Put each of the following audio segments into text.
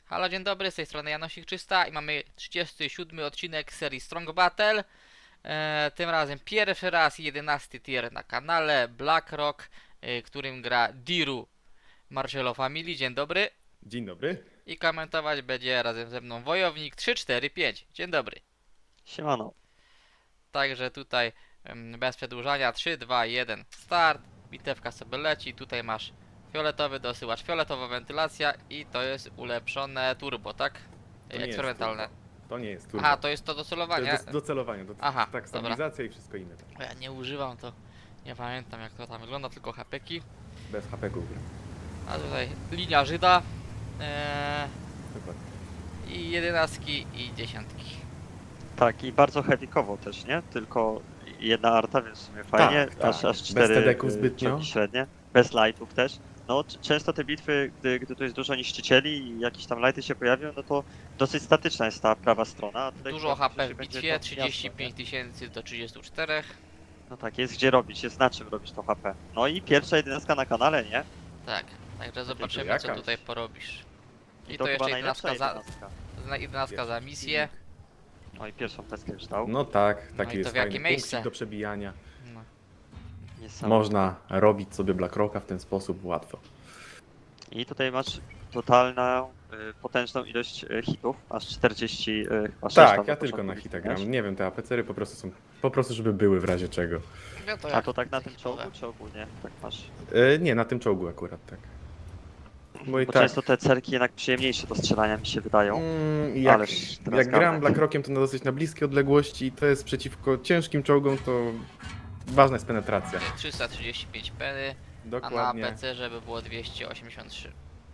Halo, dzień dobry, z tej strony Janosik 300 i mamy 37 odcinek serii Strong Battle. Tym razem pierwszy raz 11 tier na kanale BlackRock, którym gra Diru Marcello Family. Dzień dobry. Dzień dobry. I komentować będzie razem ze mną Wojownik 345. Dzień dobry. Siemano. Także tutaj bez przedłużania 3, 2, 1 start. Bitewka sobie leci. Tutaj masz fioletowy dosyłacz, fioletowa wentylacja i to jest ulepszone turbo, tak? To nie jest Eksperymentalne. turbo. To nie jest turbo. Aha, to jest to To docelowanie. jest do celowania. Aha, tak, dobra. stabilizacja i wszystko inne. Tak. Ja nie używam, to nie pamiętam jak to tam wygląda, tylko hapeki. Bez HP-ków. A tutaj linia Żyda Dokładnie. i jedenastki i dziesiątki. Tak, i bardzo heavykowo też, nie? Tylko jedna arta, więc w sumie fajnie. Tak, tak. Aż Bez 4 TD-ków zbytnio. czołgi średnie. Bez lightów też. No, często te bitwy, gdy tu jest dużo niszczycieli i jakieś tam lighty się pojawią, no to dosyć statyczna jest ta prawa strona. A tutaj Dużo chyba HP w będzie bitwie, to 35 miasto, 000 do 34. nie? No tak, jest gdzie robić, jest na czym robić to HP. No i pierwsza 11 na kanale, nie? Tak, także zobaczymy jakaś. co tutaj porobisz. I To to jeszcze chyba najlepsza 11 11. za misję. No i pierwszą peskę już dał. No tak, No taki i to jest w jakie fajny miejsce? punkcik do przebijania. No. Niesamowite. Można robić sobie BlackRocka w ten sposób łatwo. I tutaj masz totalną, potężną ilość hitów, aż 40 chyba 6 Tak, tam ja na tylko początku na bitwy hita miałeś. gram. Nie wiem, te APC-y po prostu są, po prostu żeby były w razie czego. No to A jak to tak na tym hitowe. czołgu, czy ogólnie? Tak masz. Nie, na tym czołgu akurat, tak. Bo i Bo tak, często te cerki jednak przyjemniejsze do strzelania mi się wydają. jak, Ależ teraz jak gram garnek. BlackRockiem, to na dosyć na bliskie odległości i to jest przeciwko ciężkim czołgom, to ważna jest penetracja. 335 peny, a na Dokładnie. PC żeby było 283.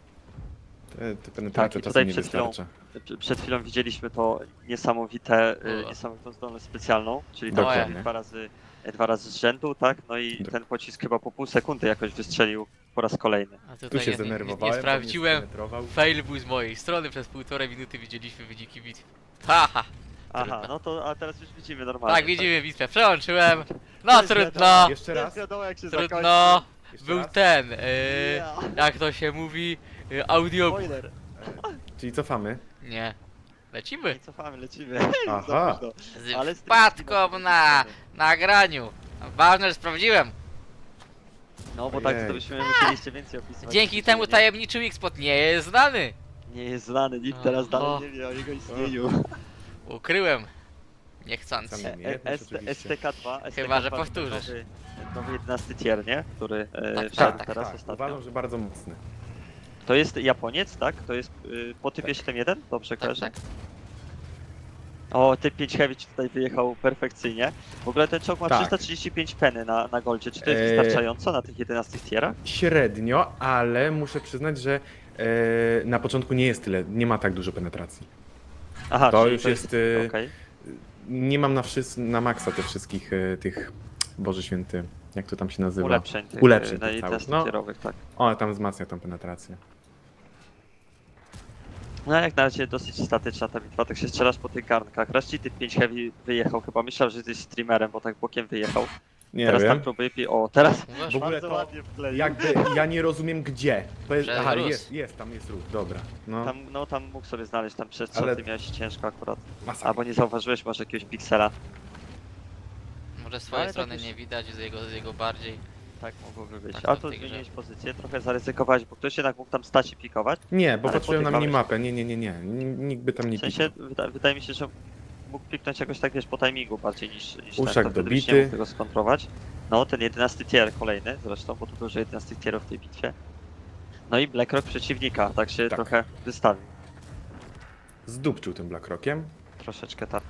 Te penetracja Tak, i czasem tutaj nie przed chwilą- wystarcza. Przed chwilą widzieliśmy to niesamowite, O. niesamowitą zdolność specjalną, czyli Dokładnie. tak dwa razy z rzędu, tak? No i ten pocisk chyba po pół sekundy jakoś wystrzelił po raz kolejny. A Tu tutaj się nie zdenerwowałem, sprawdziłem. bo mnie spenetrował. Fail był z mojej strony, przez 1,5 minuty widzieliśmy wyniki bitwy. Haha! Aha, Trudno. no to, a teraz już widzimy normalnie. Tak, widzimy bitwę, przełączyłem. To No jest trudno, wiadomo. Jeszcze To raz? jest wiadomo, jak się trudno. Jeszcze Był raz? ten, Ja. jak to się mówi, audiobook. Spoiler. Czyli cofamy. Nie. Lecimy. Nie cofamy, lecimy. Aha. Za późno. Z Ale wpadką na nagraniu. Ważne, że sprawdziłem. No bo tak to Ojej. byśmy musieliście więcej opisywać. Dzięki temu tajemniczy Xpot nie jest znany. Nie jest znany, nikt teraz Oho. dalej nie wie o jego istnieniu. Ukryłem. Niechcący. Sam umiejętność oczywiście. STK2, Chyba, że STK2 powtórzysz. Nowy 11 tier, nie? Który Tak, wszedł tak, teraz Tak, ostatnio. uważam, że bardzo mocny. To jest Japoniec, tak? To jest po typie 7.1? Dobrze Tak, kojarzę? tak. O, typ 5 Heavy ci tutaj wyjechał perfekcyjnie. W ogóle ten czołg ma Tak. 335 peny na goldzie. Czy to jest wystarczająco na tych 11 tierach? Średnio, ale muszę przyznać, że na początku nie jest tyle, nie ma tak dużo penetracji. Aha, To czyli już jest, okej. Nie mam na maksa tych wszystkich tych, Boże Święty, jak to tam się nazywa? Ulepszeń tych, Ulepszeń na tych 11 całych. No, tierowych, tak. one tam wzmacnia tą penetrację. No jak na razie dosyć statyczna ta bitwa, tak się strzelasz po tych garnkach. Raz ci typ 5 Heavy wyjechał, chyba myślał, że jesteś streamerem, bo tak bokiem wyjechał. Nie Teraz wiem. tam próbuje o, teraz Mówisz? W ogóle bardzo to ładnie wkleił. jakby ja nie rozumiem gdzie. To jest, Że aha, rósł. jest, tam jest ruch, dobra. No, Tam mógł sobie znaleźć tam przestrzeń, Ale- ty miałeś ciężko akurat. masakra. Albo nie zauważyłeś może jakiegoś piksela. Może z twojej Ale tak strony już- nie widać, z jego bardziej. Tak mogłoby być. Tak, A to tu w tej grze. zmieniłeś pozycję, trochę zaryzykowałeś, bo ktoś jednak mógł tam stać i pikować. Nie, bo Ale patrzyłem na podjechałeś. minimapę, nie. Nikt by tam nie W sensie piknął. wydaje mi się, że mógł piknąć jakoś tak wiesz po timingu bardziej niż Uszak ten, to wtedy byś dobity. nie mógł tego skontrować. No ten 11 tier kolejny zresztą, bo tu dużo 11 tierów w tej bitwie. No i BlackRock przeciwnika, tak się Tak. trochę wystawił. Zdupczył tym BlackRockiem. Troszeczkę tak.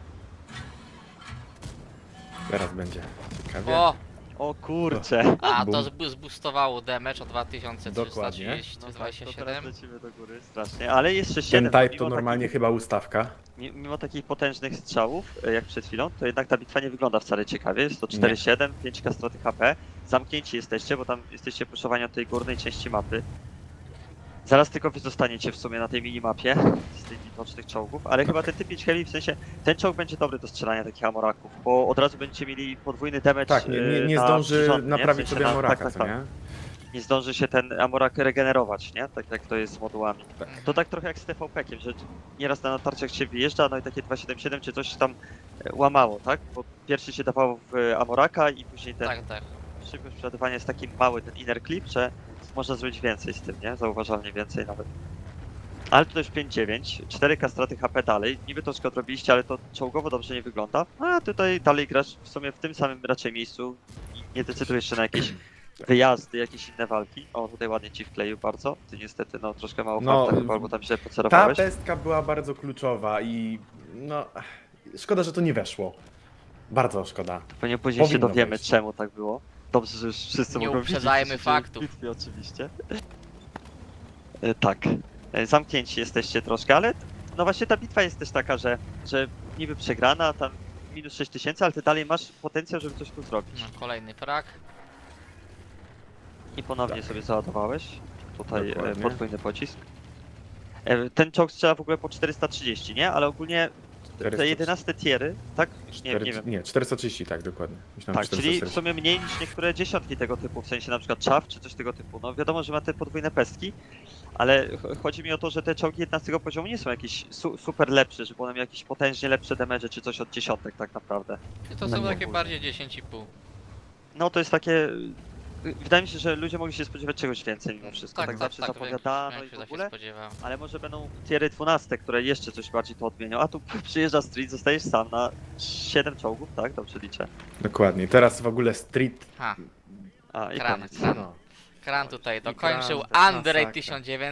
Teraz będzie ciekawie. O! O kurcze! A to Bum. zboostowało damage o Dokładnie. 27. 2327. lecimy do góry strasznie, ale jeszcze Ten 7. type to mimo normalnie takich, chyba ustawka. mimo takich potężnych strzałów, jak przed chwilą, to jednak ta bitwa nie wygląda wcale ciekawie. Jest to 4-7, 5k straty HP. Zamknięci jesteście, bo tam jesteście puszowani od tej górnej części mapy. Zaraz tylko wy zostaniecie w sumie na tej minimapie z tych widocznych czołgów, ale chyba ten typ 5 heavy, w sensie ten czołg będzie dobry do strzelania takich amoraków, bo od razu będziecie mieli podwójny damage Tak, nie na zdąży przyrząd, nie? W naprawić sensie sobie Amoraka, tak, co tak, nie? nie zdąży się ten Amorak regenerować, nie? Tak jak to jest z modułami. Mhm. To tak trochę jak z TVP-kiem, że nieraz na natarciach się wyjeżdża, no i takie 277 czy coś tam łamało, tak? Bo pierwszy się dawało w Amoraka i później ten Tak, tak. szybkość przeładowania jest taki mały, ten inner clip, że można zrobić więcej z tym, nie? Zauważalnie więcej nawet. Ale to też 5-9, 4K straty HP dalej, niby troszkę odrobiliście, ale to czołgowo dobrze nie wygląda. A tutaj dalej grasz w sumie w tym samym raczej miejscu i nie decydujesz się na jakieś wyjazdy, jakieś inne walki. O, tutaj ładnie ci wkleił bardzo. Ty niestety, no troszkę mało No, farta chyba, albo tam się Ta pocerowałeś. pestka była bardzo kluczowa i no, szkoda, że to nie weszło. Bardzo szkoda. Pewnie później się powinno dowiemy, wejść. czemu tak było. Dobrze, że już wszyscy Nie mogą widzieć, uprzedzajmy co się dzieje w faktów. bitwie oczywiście. Tak. Zamknięci jesteście troszkę, ale no właśnie ta bitwa jest też taka, że niby przegrana, tam minus 6000, ale ty dalej masz potencjał, żeby coś tu zrobić. No, kolejny frak. I ponownie Tak. sobie załadowałeś. Tutaj Dokładnie. podwójny pocisk. Ten czołg strzela w ogóle po 430, nie? Ale ogólnie te 11 tiery, tak? Nie wiem. Nie, 430, tak, dokładnie. Myślałem, Tak, czyli w 440. sumie mniej niż niektóre dziesiątki tego typu, w sensie na przykład Chaff czy coś tego typu. No wiadomo, że ma te podwójne pestki, ale chodzi mi o to, że te czołgi 11 poziomu nie są jakieś super lepsze, żeby one miały jakieś potężnie lepsze damage czy coś od dziesiątek tak naprawdę. To No są nie takie ogólnie. bardziej 10,5. No to jest takie... Wydaje mi się, że ludzie mogli się spodziewać czegoś więcej mimo wszystko. Tak, zawsze większość- zapowiadano i w większość ogóle. się spodziewała. Ale może będą tiery 12, które jeszcze coś bardziej to odmienią. A tu przyjeżdża Street, zostajesz sam na 7 czołgów, tak? Dobrze liczę. Dokładnie. Teraz w ogóle Street. Ha, A i Kran, koniec. kran. No. Kran tutaj I dokończył. Kran, Andrej masakra.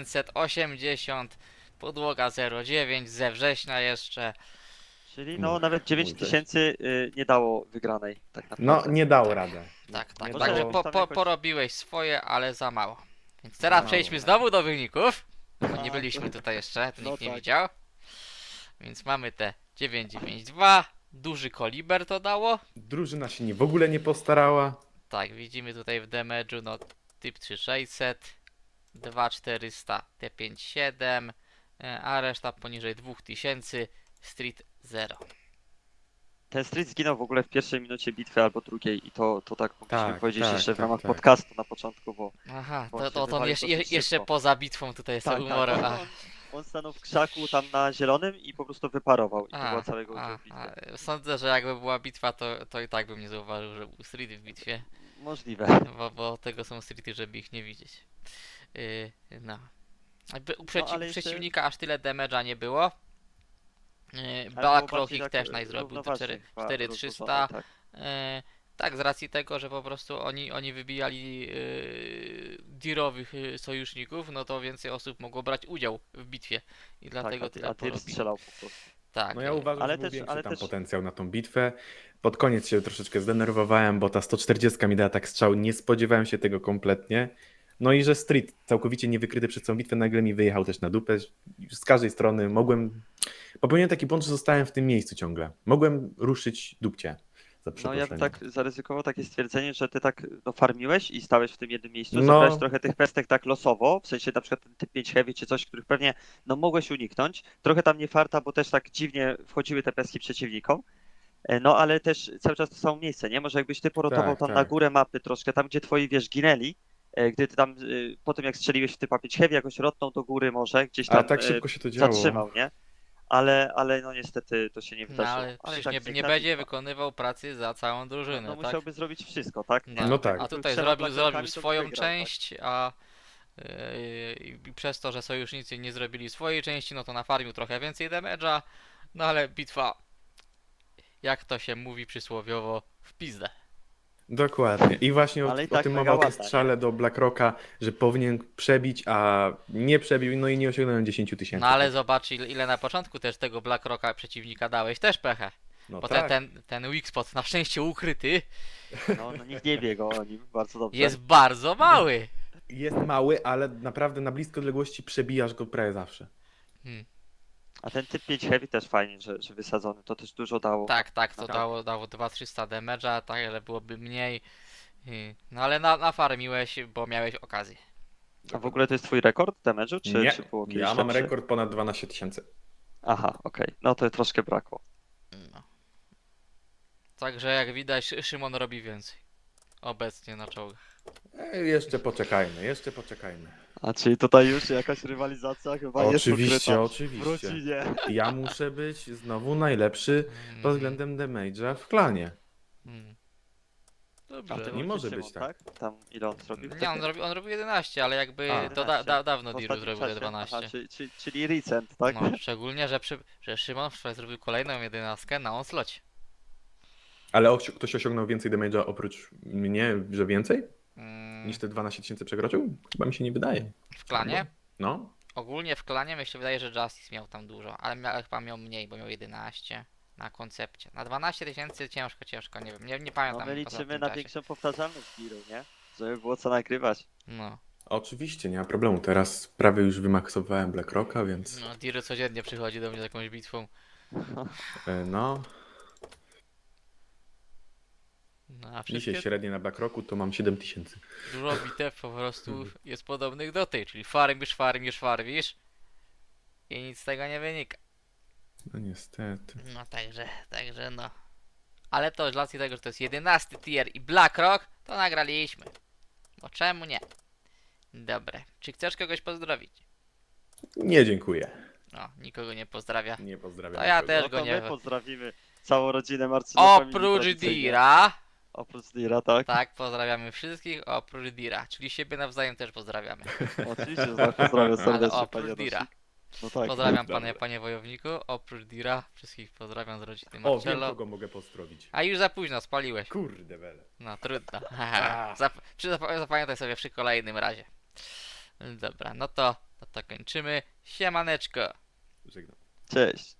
1980. Podłoga 09 ze września jeszcze. Czyli no Uch, nawet 9000 nie dało wygranej tak No, naprawdę. nie dało Tak. radę. Tak, tak. Nie Może Także dało. tam jakoś- porobiłeś swoje, ale za mało. Więc teraz Mało. przejdźmy znowu do wyników. Bo nie A, byliśmy to- tutaj jeszcze, to no nikt nie tak. widział. Więc mamy te 992. Duży koliber to dało. Drużyna się w ogóle nie postarała. Tak, widzimy tutaj w damage'u, no typ 3600, 2400, T57, a reszta poniżej 2000, Street 0. Ten Street zginął w ogóle w pierwszej minucie bitwy albo drugiej i to tak mogliśmy Tak, powiedzieć tak, jeszcze w tak, ramach tak. podcastu na początku, bo Aha, Bo to, się to on wywalił jeszcze, dosyć jeszcze szybko. poza bitwą tutaj sobie umorę. on stanął w krzaku tam na zielonym i po prostu wyparował i to była A, całego udziału a, w bitwie. sądzę, że jakby była bitwa, to i tak bym nie zauważył, że był Street w bitwie, Możliwe. bo tego są Streety, żeby ich nie widzieć. No. Jakby u ale jeszcze- przeciwnika aż tyle damage'a nie było. Ale było Blackrock bardziej ich tak, też naj zrobił do równoważnie chyba 4300. rozłożone, tak. Tak, z racji tego, że po prostu oni wybijali dirowych sojuszników, no to więcej osób mogło brać udział w bitwie i dlatego Tak, tyle a Tyr porobili. strzelał po prostu. Tak, No ja uważam, Ale że był też- większy ale tam też- potencjał na tą bitwę. Pod koniec się troszeczkę zdenerwowałem, bo ta 140 mi dała tak strzał, nie spodziewałem się tego kompletnie. No i że Street całkowicie niewykryty przez całą bitwę nagle mi wyjechał też na dupę. Z każdej strony popełniłem taki błąd, że zostałem w tym miejscu ciągle. Mogłem ruszyć dupcie. Za No ja bym przeproszeniem. tak zaryzykował takie stwierdzenie, że ty tak farmiłeś i stałeś w tym jednym miejscu, No. zabrałeś trochę tych pestek tak losowo, w sensie na przykład ten typ 5 heavy czy coś, których pewnie no mogłeś uniknąć. Trochę tam nie farta, bo też tak dziwnie wchodziły te pestki przeciwnikom. No ale też cały czas to samo miejsce, nie? Może jakbyś ty porotował Tak, tam tak. na górę mapy troszkę, tam gdzie twoi wiesz ginęli, gdy ty tam po tym jak strzeliłeś w typa 5 heavy jakoś rotnął do góry może, gdzieś tam Ale tak szybko się to działo. zatrzymał, nie? Ale no niestety to się nie no wydarzyło. ale przecież tak nie piękna będzie bitwa. wykonywał pracy za całą drużynę, No tak? musiałby zrobić wszystko, tak? No tak. A tutaj Trzema zrobił Blackrockami to swoją wygrał, tak? część, a i przez to, że sojusznicy nie zrobili swojej części, no to nafarmił trochę więcej damage'a, no ale bitwa, jak to się mówi przysłowiowo, w pizdę. Dokładnie. I właśnie Ale i o tak tym mega mowa o tej ładna, strzale do Blackrocka, że powinien przebić, a nie przebił, no i nie osiągnąłem 10 000. No ale zobacz ile na początku też tego Blackrocka przeciwnika dałeś, też pechę. No Bo tak. ten weak spot, na szczęście ukryty, No nikt nie wie go o nim, bardzo dobrze. jest bardzo mały. Jest mały, ale naprawdę na bliskiej odległości przebijasz go prawie zawsze. A ten typ 5 heavy też fajnie, że wysadzony, to też dużo dało. Tak, to Tak. dało 2300 damage'a, tak, ale byłoby mniej. No ale nafarmiłeś, bo miałeś okazję. A w ogóle to jest twój rekord damage'u, Nie, czy było kiedyś ja mam lepszy? rekord ponad 12 000. Aha, okej, no to troszkę brakło. No. Także jak widać, Szymon robi więcej. Obecnie na czołgach. Jeszcze poczekajmy, jeszcze poczekajmy. A czyli tutaj już jakaś rywalizacja chyba Oczywiście, jest ukryta w oczywiście. rodzinie. Ja muszę być znowu najlepszy pod względem damage'a w klanie. Mm. A Dobrze. ty nie nie może Szymon, być tak. Tam ile on zrobił? Nie, on robił 11, ale jakby A. to 11. dawno W Diru ostatnim zrobił te czasie? 12. Aha, czyli recent, tak? No, szczególnie, że Szymon wczoraj zrobił kolejną 11 na Onslaughcie. Ale ktoś osiągnął więcej damage'a oprócz mnie, że więcej? Mm, Niż te 12 tysięcy przekroczył? Chyba mi się nie wydaje. w klanie? No. Ogólnie w klanie mi się wydaje, że Justice miał tam dużo, ale chyba miał mniej, bo miał 11 na koncepcie. Na 12 tysięcy ciężko, nie wiem, nie No pamiętam. my poza liczymy tym na czasie. większą powtarzalność Diru, nie? Żeby było co nagrywać. No, Oczywiście, nie ma problemu. Teraz prawie już wymaksowałem Blackrocka, więc no Diru codziennie przychodzi do mnie z jakąś bitwą. no. No, a Dzisiaj wszystkie średnie na Blackrocku to mam 7000. dużo bitew po prostu jest podobnych do tej, czyli farmisz i nic z tego nie wynika. No niestety. No także no. Ale to z racji tego, że to jest 11 tier i Blackrock, to nagraliśmy. Bo czemu nie? Dobra. Czy chcesz kogoś pozdrowić? Nie dziękuję. No, nikogo nie pozdrawia. Nie pozdrawiam. To ja nikogo. też No go to nie... my pozdrawimy całą rodzinę Marcina. Oprócz Dira. Oprócz Dira, tak? Tak, pozdrawiamy wszystkich, oprócz Dira. Czyli siebie nawzajem też pozdrawiamy. Oczywiście, że tak, pozdrawiam Ale serdecznie, oprócz panie Dira. Rosik. No tak. Pozdrawiam Dobra. panie wojowniku, oprócz Dira. Wszystkich pozdrawiam z rodziny O, wiem Marcello. kogo mogę pozdrowić. A już za późno, spaliłeś. Kurde wele. No trudno. A. Zapamiętaj sobie przy kolejnym razie. Dobra, no to kończymy. Siemaneczko. Żegnam. Cześć.